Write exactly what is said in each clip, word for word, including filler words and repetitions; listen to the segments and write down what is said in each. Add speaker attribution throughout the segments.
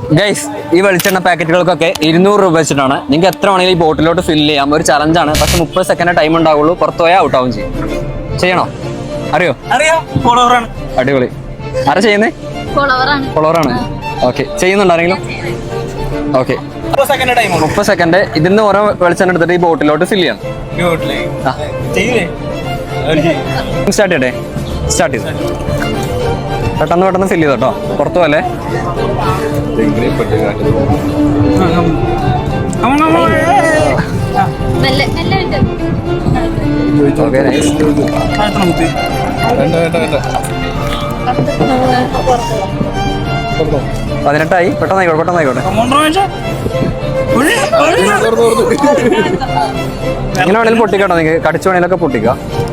Speaker 1: Guys, ഈ വെളിച്ചെണ്ണ പാക്കറ്റുകൾക്കൊക്കെ ഇരുന്നൂറ് രൂപ വെച്ചിട്ടാണ്. നിങ്ങൾക്ക് എത്ര വേണമെങ്കിലും ഈ ബോട്ടിലോട്ട് ഫില്ല് ചെയ്യാം. ഒരു ചലഞ്ചാണ്. പക്ഷെ മുപ്പത് സെക്കൻഡ് ടൈം ഉണ്ടാവുള്ളൂ. പുറത്തു പോയാൽ ഔട്ട് ആവും ചെയ്യും. ചെയ്യണോ? അറിയോ?
Speaker 2: അറിയാം. ഫോളോവറാണ്.
Speaker 1: അടിപൊളി. ആരാ ചെയ്യുന്നേ? ഫോളോവറാണ്. ഓക്കെ. ചെയ്യുന്നുണ്ടോ ആരെങ്കിലും? ഓക്കെ. മുപ്പത് സെക്കൻഡ് ഇതിന്ന് ഓരോ വെളിച്ചെണ്ണ എടുത്തിട്ട് ഈ ബോട്ടിലോട്ട് ഫില്ല് ചെയ്യണം. സ്റ്റാർട്ട് ചെയ്യട്ടെ? സ്റ്റാർട്ട് ചെയ്തു. പെട്ടെന്ന് പെട്ടെന്ന് ഫില്ല് ചെയ്തോട്ടോ, പുറത്തു പോലെ. പതിനെട്ടായി. പെട്ടെന്നായിക്കോട്ടെ പെട്ടെന്നായിക്കോട്ടെ. ഇങ്ങനെ വേണേലും പൊട്ടിക്കാട്ടോ, നിങ്ങൾക്ക് കടിച്ചു വേണേലൊക്കെ പൊട്ടിക്കാം.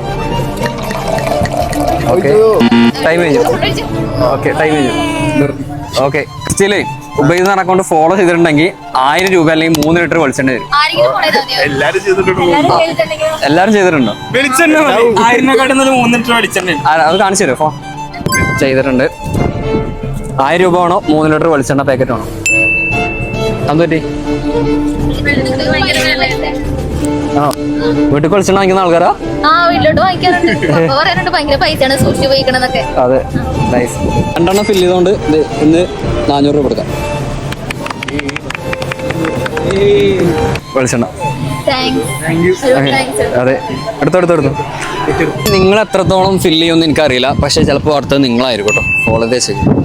Speaker 1: ഓക്കെ, ടൈം കഴിഞ്ഞു. ഓക്കെ, ടൈം കഴിഞ്ഞു. ഓക്കെ, സ്റ്റില് ഉപയോഗിക്കുന്ന അക്കൗണ്ട് ഫോളോ ചെയ്തിട്ടുണ്ടെങ്കിൽ ആയിരം രൂപ അല്ലെങ്കിൽ മൂന്ന് ലിറ്റർ വെളിച്ചെണ്ണ തരും. എല്ലാരും ചെയ്തിട്ടുണ്ടോ? അത് കാണിച്ചു തരും. ഫോൺ ചെയ്തിട്ടുണ്ട്. ആയിരം രൂപ വേണോ മൂന്ന് ലിറ്റർ വെളിച്ചെണ്ണ പാക്കറ്റ് വേണോ? അതെന്തുപറ്റി? ആണോ? വീട്ടിൽ വെളിച്ചെണ്ണ വാങ്ങിക്കുന്ന ആൾക്കാരാ? അതെ, നൈസ്. രണ്ടെണ്ണം ഫില്ല് ചെയ്തോണ്ട് ഇന്ന് നാനൂറ് രൂപ കൊടുക്കാം. വെളിച്ചെണ്ണ. അതെ, എടുത്തോ എടുത്തോ എടുത്തോ. നിങ്ങൾ എത്രത്തോളം ഫില്ല് ചെയ്യുമെന്ന് എനിക്കറിയില്ല, പക്ഷെ ചിലപ്പോൾ അടുത്തത് നിങ്ങളായിരിക്കും കേട്ടോ. ഫോളോ ചെയ്ത്